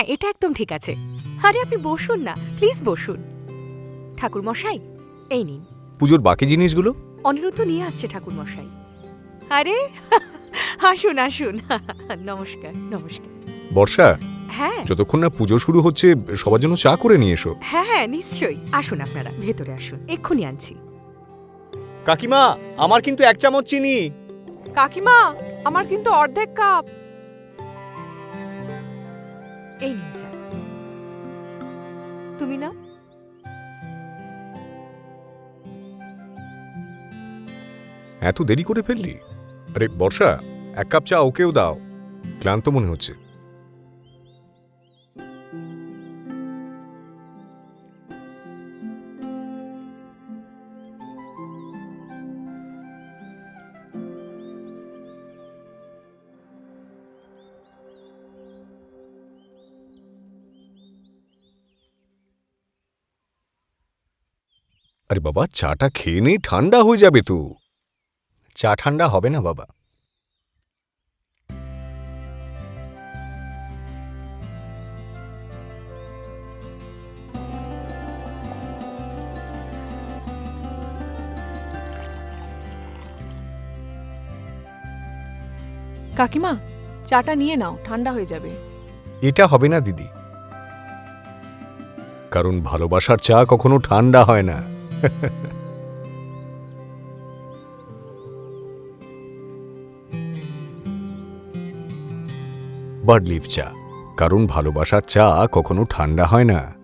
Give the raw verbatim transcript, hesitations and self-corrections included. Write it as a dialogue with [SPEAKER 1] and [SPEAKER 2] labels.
[SPEAKER 1] এটা একদম ঠিক আছে। আরে আপনি বসুন না, প্লিজ বসুন। ঠাকুর মশাই, এই নিন।
[SPEAKER 2] পুজোর বাকি জিনিসগুলো?
[SPEAKER 1] অনিরুদ্ধ নিয়ে আসছে ঠাকুর মশাই। আরে আসুন আসুন। নমস্কার নমস্কার।
[SPEAKER 2] বর্ষা,
[SPEAKER 1] হ্যাঁ
[SPEAKER 2] যতক্ষণ না পুজো শুরু হচ্ছে সবার জন্য চা করে নিয়ে এসো।
[SPEAKER 1] হ্যাঁ হ্যাঁ নিশ্চয়ই। আসুন আপনারা ভেতরে আসুন, এক্ষুনি আনছি।
[SPEAKER 3] কাকিমা, আমার কিন্তু এক চামচ চিনি।
[SPEAKER 4] কাকিমা, আমার কিন্তু অর্ধেক কাপ।
[SPEAKER 1] এই নিন চা। তুমি না?
[SPEAKER 2] এত দেরি করে ফেললি? আরে বর্ষা, এক কাপ চা ওকেও দাও, ক্লান্ত মনে হচ্ছে। আরে বাবা, চাটা খেয়ে নেই, ঠান্ডা হয়ে যাবে তো। চা ঠান্ডা হবে না বাবা।
[SPEAKER 4] কাকিমা, চাটা নিয়ে নাও, ঠান্ডা হয়ে যাবে।
[SPEAKER 2] এটা হবে না দিদি, কারণ ভালোবাসার চা কখনো ঠান্ডা হয় না। বার্ড লিফ চা, কারণ ভালোবাসার চা কখনো ঠান্ডা হয় না।